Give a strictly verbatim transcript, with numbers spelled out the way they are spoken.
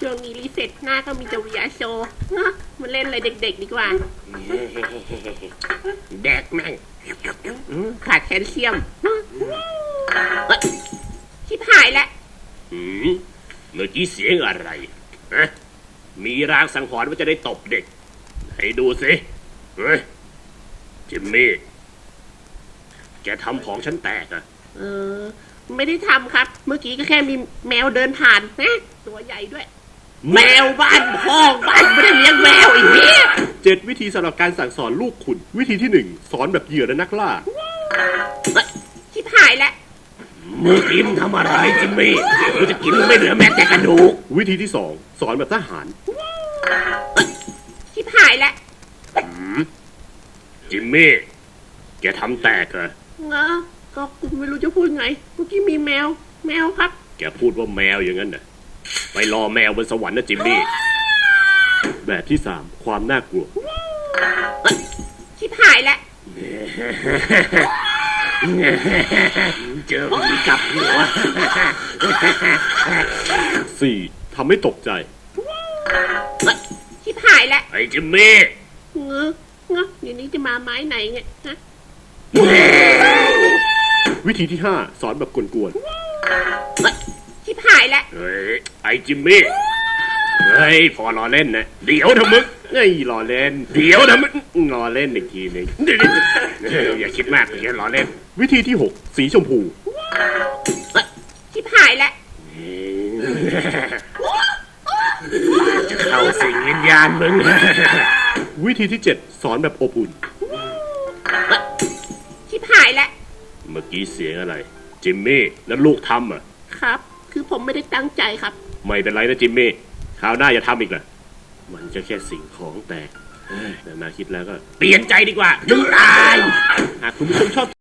ช่วงนี้รีเซ็ตหน้าก็มีแต่วิยาโชเนาะมาเล่นอะไรเด็กๆดีกว่าแดกแม่งขาดแคลเซียมชิบหายแล้วเมื่อกี้เสียงอะไรฮะมีรางสังหรณ์ว่าจะได้ตบเด็กให้ดูสิเฮ้ยจิมมี่แกทำของฉันแตกอะเออไม่ได้ทำครับเมื่อกี้ก็แค่มีแมวเดินผ่านนะตัวใหญ่ด้วยแมวบ้านพ่อบ้านไม่ได้เลี้ยงแมวอีกทีเจ็ดวิธีสำหรับการสั่งสอนลูกคุณวิธีที่หนึ่งสอนแบบเหยื่อและนักล่าชิบหายแล้วมือกินทำอะไรจิมมี่กูจะกินไม่เหลือแม้แต่กระดูกวิธีที่สองสอนแบบทหารชิบหายแล้วจิมมี่แกทำแตกเหรอเงาก็กูไม่รู้จะพูดไงเมื่อกี้มีแมวแมวครับแกพูดว่าแมวอย่างนั้นน่ะไปรอแมวบนสวรรค์นะจิมมี่แบบที่สามความน่ากลัวชิบหายแล้วเจอผีกับหัวสี่ทำให้ตกใจชิบหายแล้วไอ้จิมมี่เงาเงาเดี๋ยวนี้จะมาไม้ไหนไงฮะวิธีที่ห้าสอนแบบกวนๆชิบหายแล้วเฮ้ยไอ้จิมมี่เฮ้ยพอรอเล่นนะเดี๋ยวทำมึงไอ้รอเล่นเดี๋ยวทำมึงรอเล่นอีกทีนึงอย่าคิดมากอย่ารอเล่นวิธีที่หกสีชมพูชิบหายแล้วจะเข้าสิงวิญญาณมึงวิธีที่เจ็ดสอนแบบอบอุ่นชิบหายแล้วเมื่อกี้เสียงอะไรจิมมี่แล้วลูกทำอ่ะครับคือผมไม่ได้ตั้งใจครับไม่เป็นไรนะจิมมี่คราวหน้าอย่าทำอีกล่ะมันจะแค่สิ่งของแตกแต่นาคิดแล้วก็เปลี่ยนใจดีกว่ามึงตายหากคุณผู้ชมชอบ